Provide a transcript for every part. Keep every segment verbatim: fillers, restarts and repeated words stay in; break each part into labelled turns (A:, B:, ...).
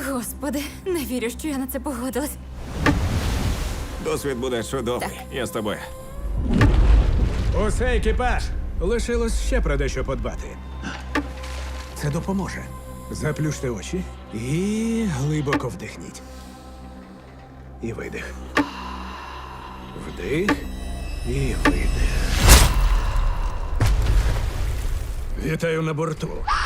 A: Господи, не вірю, що я на це погодилась.
B: Досвід буде чудовий.
A: Так.
B: Я з тобою.
C: Усе, екіпаж! Лишилось ще про дещо подбати. Це допоможе. Заплющте очі і глибоко вдихніть. І видих. Вдих і видих. Вітаю на борту.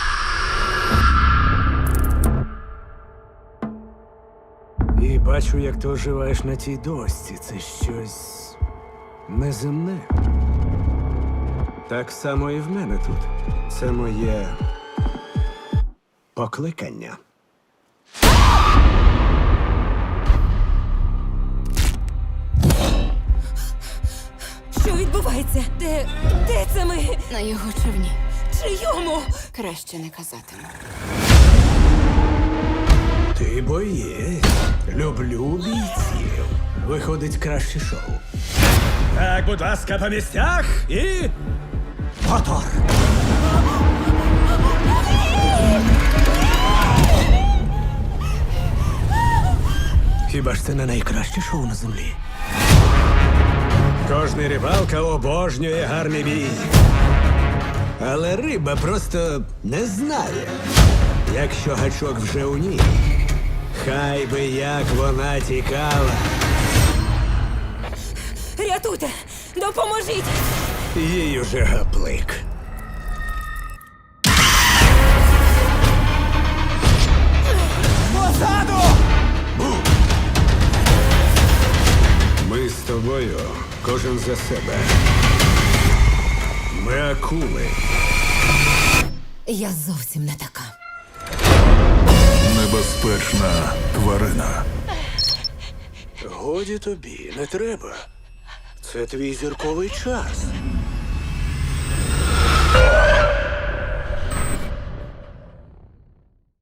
C: І бачу, як ти оживаєш на тій дошці. Це щось неземне. Так само і в мене тут. Це моє покликання.
A: Що відбувається? Де. де це ми?
D: На його човні.
A: Чийому?
D: Краще не казатиму.
C: Ти боєць. Люблю бійців. Виходить краще шоу. Так, будь ласка, по місцях і. Мотор! Хіба ж це не найкраще шоу на землі? Кожний рибалка обожнює гарний бій. Але риба просто не знає, якщо гачок вже у ній. Хай би як вона тікала.
A: Рятуйте! Допоможіть!
C: Їй уже гаплик. Позаду! Ми з тобою, кожен за себе. Ми акули.
A: Я зовсім не така.
E: Небезпечна тварина.
C: Годі тобі, не треба. Це твій зірковий час.